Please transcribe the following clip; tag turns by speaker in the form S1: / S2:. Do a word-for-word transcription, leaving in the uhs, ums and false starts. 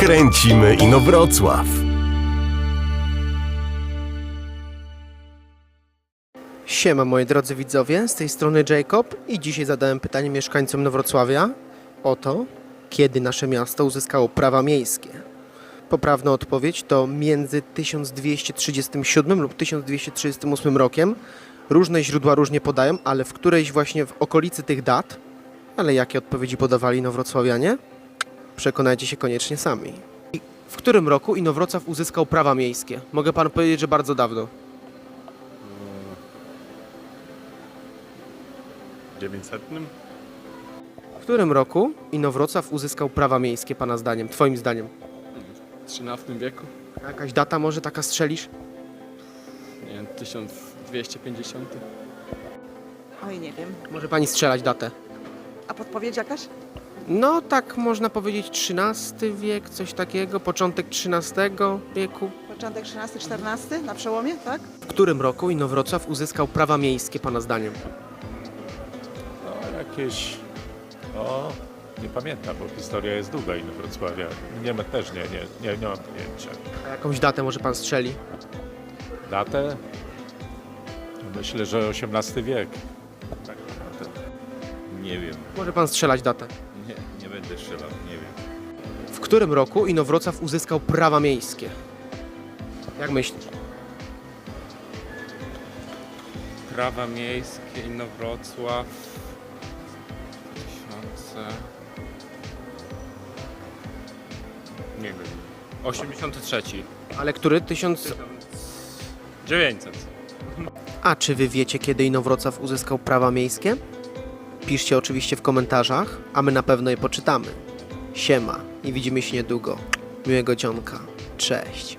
S1: Kręcimy Inowrocław.
S2: Siema moi drodzy widzowie, z tej strony Jacob i dzisiaj zadałem pytanie mieszkańcom Inowrocławia o to, kiedy nasze miasto uzyskało prawa miejskie. Poprawna odpowiedź to między tysiąc dwieście trzydziestym siódmym lub tysiąc dwieście trzydziestym ósmym rokiem. Różne źródła różnie podają, ale w którejś właśnie w okolicy tych dat, ale jakie odpowiedzi podawali inowrocławianie? Przekonajcie się koniecznie sami. I w którym roku Inowrocław uzyskał prawa miejskie? Mogę panu powiedzieć, że bardzo dawno.
S3: dziewięćsetnym?
S2: W którym roku Inowrocław uzyskał prawa miejskie, pana zdaniem, twoim zdaniem?
S4: W trzynastym wieku?
S2: Jakaś data może taka strzelisz?
S4: Nie wiem, tysiąc dwieście pięćdziesiąty.
S5: Oj, nie wiem.
S2: Może pani strzelać datę?
S5: A podpowiedź jakaś?
S2: No tak można powiedzieć trzynasty wiek, coś takiego, początek trzynastego wieku.
S5: Początek trzynasty czternasty na przełomie, tak?
S2: W którym roku Inowrocław uzyskał prawa miejskie, pana zdaniem?
S3: No jakieś... O, nie pamiętam, bo historia jest długa i Wrocławia. Nie ma też, nie, nie, nie, nie mam pojęcia.
S2: A jakąś datę może pan strzeli?
S3: Datę? Myślę, że osiemnasty wiek. Tak naprawdę.
S6: Nie wiem,
S2: Może pan strzelać datę.
S6: nie, nie będę strzelał, nie wiem.
S2: W którym roku Inowrocław uzyskał prawa miejskie? Jak myślisz?
S7: Prawa miejskie, Inowrocław, tysiące... Nie wiem, osiemdziesiąty trzeci.
S2: Ale który? Tysiąc...
S7: dziewięćset.
S2: A czy wy wiecie, kiedy Inowrocław uzyskał prawa miejskie? Piszcie oczywiście w komentarzach, a my na pewno je poczytamy. Siema i widzimy się niedługo. Miłego dzionka. Cześć.